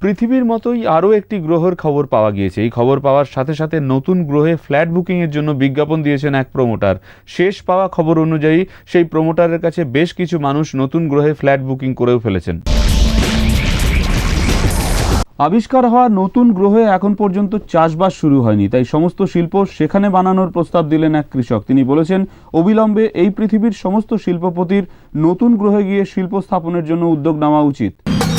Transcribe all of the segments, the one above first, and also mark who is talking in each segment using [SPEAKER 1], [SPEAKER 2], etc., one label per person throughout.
[SPEAKER 1] পৃথিবীর মতোই আরও একটি গ্রহের খবর পাওয়া গিয়েছে। এই খবর পাওয়ার সাথে সাথে নতুন গ্রহে ফ্ল্যাট বুকিংয়ের জন্য বিজ্ঞাপন দিয়েছেন এক প্রমোটার। শেষ পাওয়া খবর অনুযায়ী সেই প্রমোটারের কাছে বেশ কিছু মানুষ নতুন গ্রহে ফ্ল্যাট বুকিং করেও ফেলেছেন। আবিষ্কার হওয়া নতুন গ্রহে এখন পর্যন্ত চাষবাস শুরু হয়নি, তাই সমস্ত শিল্প সেখানে বানানোর প্রস্তাব দিলেন এক কৃষক। তিনি বলেছেন, অবিলম্বে এই পৃথিবীর সমস্ত শিল্পপতির নতুন গ্রহে গিয়ে শিল্প স্থাপনের জন্য উদ্যোগ নেওয়া উচিত।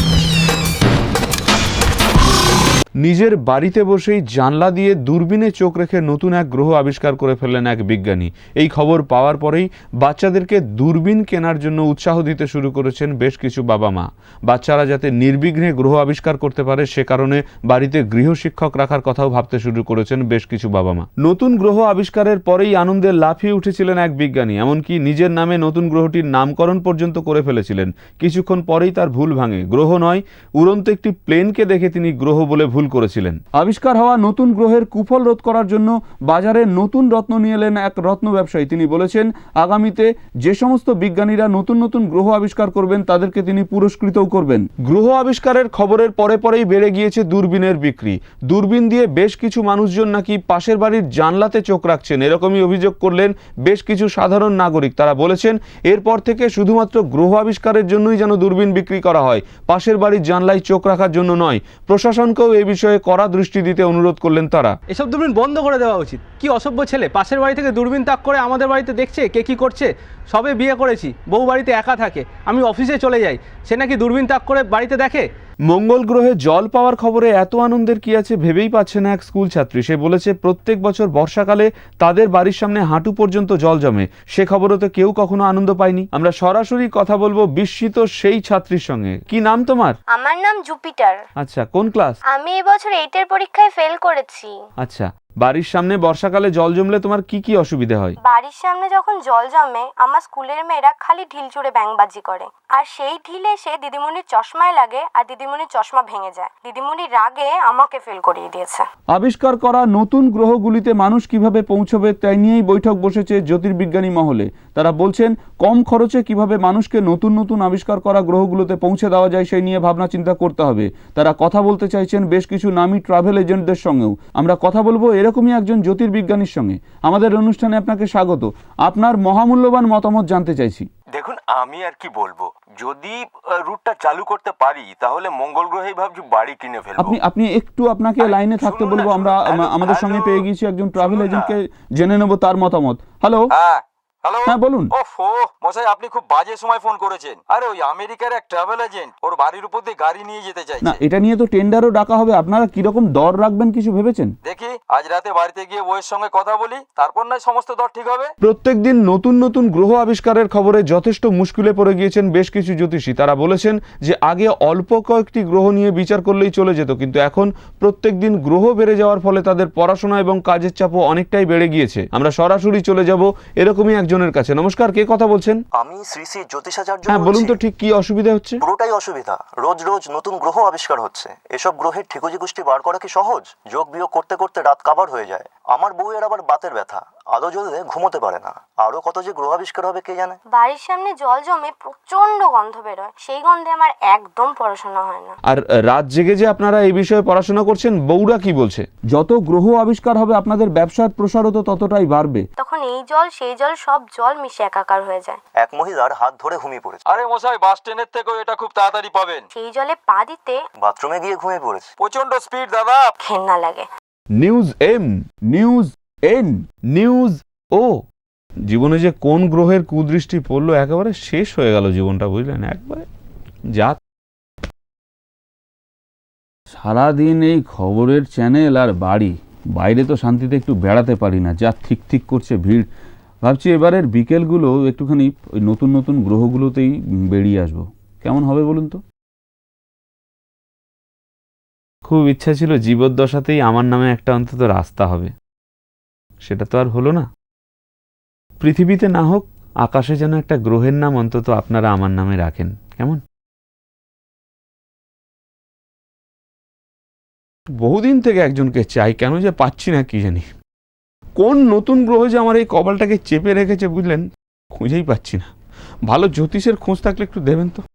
[SPEAKER 1] নিজের বাড়িতে বসেই জানলা দিয়ে দূরবীনে চোখ রেখে নতুন এক গ্রহ আবিষ্কার করে ফেললেন এক বিজ্ঞানী। এই খবর পাওয়ার পরেই বাচ্চাদেরকে দূরবীন কেনার জন্য উৎসাহ দিতে শুরু করেছেন বেশ কিছু বাবা মা। বাচ্চারা যাতে নির্বিঘ্নে গ্রহ আবিষ্কার করতে পারে সে কারণে বাড়িতে গৃহশিক্ষক রাখার কথাও ভাবতে শুরু করেছেন বেশ কিছু বাবা মা। নতুন গ্রহ আবিষ্কারের পরেই আনন্দে লাফিয়ে উঠেছিলেন এক বিজ্ঞানী, এমনকি নিজের নামে নতুন গ্রহটির নামকরণ পর্যন্ত করে ফেলেছিলেন। কিছুক্ষণ পরেই তার ভুল ভাঙে। গ্রহ নয়, উড়ন্ত একটি প্লেনকে দেখে তিনি গ্রহ বলে ভুল করেছিলেন। আবিষ্কার হওয়া নতুন গ্রহের কুফল রোধ করার জন্য বাজারে নতুন রত্ন নিয়ে এলেন এক রত্ন ব্যবসায়ী। তিনি বলেছেন, আগামীতে যে সমস্ত বিজ্ঞানীরা নতুন নতুন গ্রহ আবিষ্কার করবেন তাদেরকে তিনি পুরস্কৃতও করবেন। গ্রহ আবিষ্কারের খবরের পরে পরেই বেড়ে গিয়েছে দূরবীনের বিক্রি। দূরবীন দিয়ে বেশ কিছু মানুষজন নাকি পাশের বাড়ির জানলাতে চোখ রাখছেন, এরকমই অভিযোগ করলেন বেশ কিছু সাধারণ নাগরিক। তারা বলেছেন, এরপর থেকে শুধুমাত্র গ্রহ আবিষ্কারের জন্যই যেন দূরবীন বিক্রি করা হয়, পাশের বাড়ির জানলায় চোখ রাখার জন্য নয়। প্রশাসনকেও এই বিষয়ে কড়া দৃষ্টি দিতে অনুরোধ করলেন তারা।
[SPEAKER 2] এসব দূরবীন বন্ধ করে দেওয়া উচিত। কি অসভ্য ছেলে, পাশের বাড়ি থেকে দূরবীন তাক করে আমাদের বাড়িতে দেখছে কে কি করছে। সবে বিয়ে করেছি, বউ বাড়িতে একা থাকে, আমি অফিসে চলে যাই, সে নাকি দূরবীন তাক করে বাড়িতে দেখে।
[SPEAKER 1] মঙ্গল গ্রহে জল পাওয়ার খবরে এত আনন্দের কি আছে ভেবেই পাচ্ছে না এক স্কুল ছাত্রী। সে বলেছে, প্রত্যেক বছর বর্ষাকালে তাদের বাড়ির সামনে হাঁটু পর্যন্ত জল জমে, সে খবরে তো কেউ কখনো আনন্দ পায়নি। আমরা সরাসরি কথা বলবো বিস্মিত সেই ছাত্রীর সঙ্গে। কি নাম তোমার?
[SPEAKER 3] আমার নাম জুপিটার।
[SPEAKER 1] আচ্ছা, কোন ক্লাস?
[SPEAKER 3] আমি এবছর 8 এর পরীক্ষায় ফেল করেছি।
[SPEAKER 1] আচ্ছা, বাড়ির সামনে বর্ষাকালে জল জমলে তোমার কি কি অসুবিধা হয়?
[SPEAKER 3] বাড়ির সামনে যখন জল জমে আমার স্কুলের মেয়েরা খালি ঢিল ছুঁড়ে ব্যাঙবাজি করে, আর সেই ঢিলে সে দিদিমণির চশমায় লাগে আর দিদিমণির চশমা ভেঙে যায়। দিদিমণির রাগে আমাকে ফেল করিয়ে দিয়েছে।
[SPEAKER 1] আবিষ্কার করা নতুন গ্রহগুলিতে মানুষ কিভাবে পৌঁছবে তাই নিয়েই বৈঠক বসেছে জ্যোতির্বিজ্ঞানী মহলে। তারা বলছেন, কম খরচে কিভাবে মানুষকে নতুন নতুন আবিষ্কার করা গ্রহগুলোতে পৌঁছে দেওয়া যায় সেই নিয়ে ভাবনা চিন্তা করতে হবে। তারা কথা বলতে চাইছেন বেশ কিছু নামী ট্রাভেল এজেন্টদের সঙ্গেও। আমরা কথা বলবো এরকমই একজন জ্যোতির্বিজ্ঞানীর সঙ্গে। আমাদের অনুষ্ঠানে আপনাকে স্বাগত। আপনার মহামূল্যবান মতামত জানতে চাইছি।
[SPEAKER 4] দেখুন, আমি আর কি বলবো, যদি রুটটা চালু করতে পারি তাহলে মঙ্গল গ্রহেই ভাবছি বাড়ি কিনে ফেলবো।
[SPEAKER 1] আপনি একটু আপনাকে লাইনে থাকতে বলবো। আমরা আমাদের সঙ্গে পেয়ে গিয়েছি একজন ট্রাভেল এজেন্টকে, জেনে নেব তার মতামত। হ্যালো।
[SPEAKER 4] হ্যালো,
[SPEAKER 1] হ্যাঁ বলুন।
[SPEAKER 4] ওফো মশাই, আপনি খুব বাজে সময় ফোন করেছেন। আরে ওই আমেরিকার এক ট্রাভেল এজেন্ট ওর বাড়ির উপর দিয়ে গাড়ি নিয়ে যেতে চাইছে।
[SPEAKER 1] না, এটা নিয়ে তো টেন্ডারও ডাকা হবে। আপনারা কিরকম দর রাখবেন কিছু ভেবেছেন?
[SPEAKER 4] দেখি আজ রাতে বাড়িতে গিয়ে বউয়ের সঙ্গে কথা বলি, তারপর নয় সমস্ত দর ঠিক হবে।
[SPEAKER 1] প্রত্যেকদিন নতুন নতুন গ্রহ আবিষ্কারের খবরে যথেষ্ট মুশকিলে পড়ে গিয়েছেন বেশ কিছু জ্যোতিষী। তারা বলেছেন যে আগে অল্প কয়েকটি গ্রহ নিয়ে বিচার করলেই চলে যেত, কিন্তু এখন প্রত্যেকদিন গ্রহ বেড়ে যাওয়ার ফলে তাদের পড়াশোনা এবং কাজের চাপও অনেকটাই বেড়ে গিয়েছে। আমরা সরাসরি চলে যাব এরকমই একজনের কাছে। নমস্কার, কে কথা বলছেন?
[SPEAKER 5] আমি শ্রী শ্রী জ্যোতিষাচার্য।
[SPEAKER 1] হ্যাঁ বলুন তো, ঠিক কি অসুবিধা হচ্ছে?
[SPEAKER 5] পুরোটাই অসুবিধা। রোজ রোজ নতুন গ্রহ আবিষ্কার হচ্ছে। এসব গ্রহের ঠিকুজি গোষ্ঠী বার করা কি সহজ? যোগ বিয়োগ করতে করতে রাত কাবার হয়ে যায়। আমার বউয়ের আবার বাতের ব্যথা, আলো জ্বললে ঘুমোতে পারে না। আরো কত যে গ্রহ আবিষ্কার হবে কে জানে।
[SPEAKER 3] বাড়ির সামনে জল জমে প্রচন্ড গন্ধ বেরোয়, সেই গন্ধে আমার একদম পড়াশোনা হয় না।
[SPEAKER 1] আর রাত জেগে যে আপনারা এই বিষয়ে পড়াশোনা করছেন, বউরা কি বলছে? যত গ্রহ আবিষ্কার হবে আপনাদের ব্যবসার প্রসারও তো ততটাই বাড়বে।
[SPEAKER 3] তখন এই জল সেই জল সব জল মিশে একাকার হয়ে যায়।
[SPEAKER 5] এক মহিলার হাত ধরে ঘুমিয়ে পড়েছে।
[SPEAKER 4] আরে মশাই, বাস ট্রেনের থেকেও এটা খুব তাড়াতাড়ি পাবেন।
[SPEAKER 3] সেই জলে পা দিতে
[SPEAKER 5] বাথরুমে গিয়ে ঘুমিয়ে পড়েছে।
[SPEAKER 4] প্রচন্ড স্পিড দাদা,
[SPEAKER 3] ঘেন্না লাগে।
[SPEAKER 1] News M, news N, news O. জীবনে যে কোন গ্রহের কুদৃষ্টি পড়লো, একেবারে শেষ হয়ে গেল জীবনটা, বুঝলেন? একবারে যা সারাদিন এই খবরের চ্যানেল আর বাড়ি, বাইরে তো শান্তিতে একটু বেড়াতে পারি না, যা ঠিক ঠিক করছে ভিড়। ভাবছি এবারের বিকেলগুলো একটুখানি ওই নতুন নতুন গ্রহগুলোতেই বেরিয়ে আসবো। কেমন হবে বলুন তো? খুব ইচ্ছা ছিল জীবদ্দশাতেই আমার নামে একটা অন্তত রাস্তা হবে, সেটা তো আর হলো না। পৃথিবীতে না হোক, আকাশে যেন একটা গ্রহের নাম অন্তত আপনারা আমার নামে রাখেন, কেমন? বহুদিন থেকে একজনকে চাই, কেন যে পাচ্ছি না কি জানি। কোন নতুন গ্রহ যে আমার এই কপালটাকে চেপে রেখেছে বুঝলেন, খুঁজেই পাচ্ছি না। ভালো জ্যোতিষের খোঁজ থাকলে একটু দেবেন তো।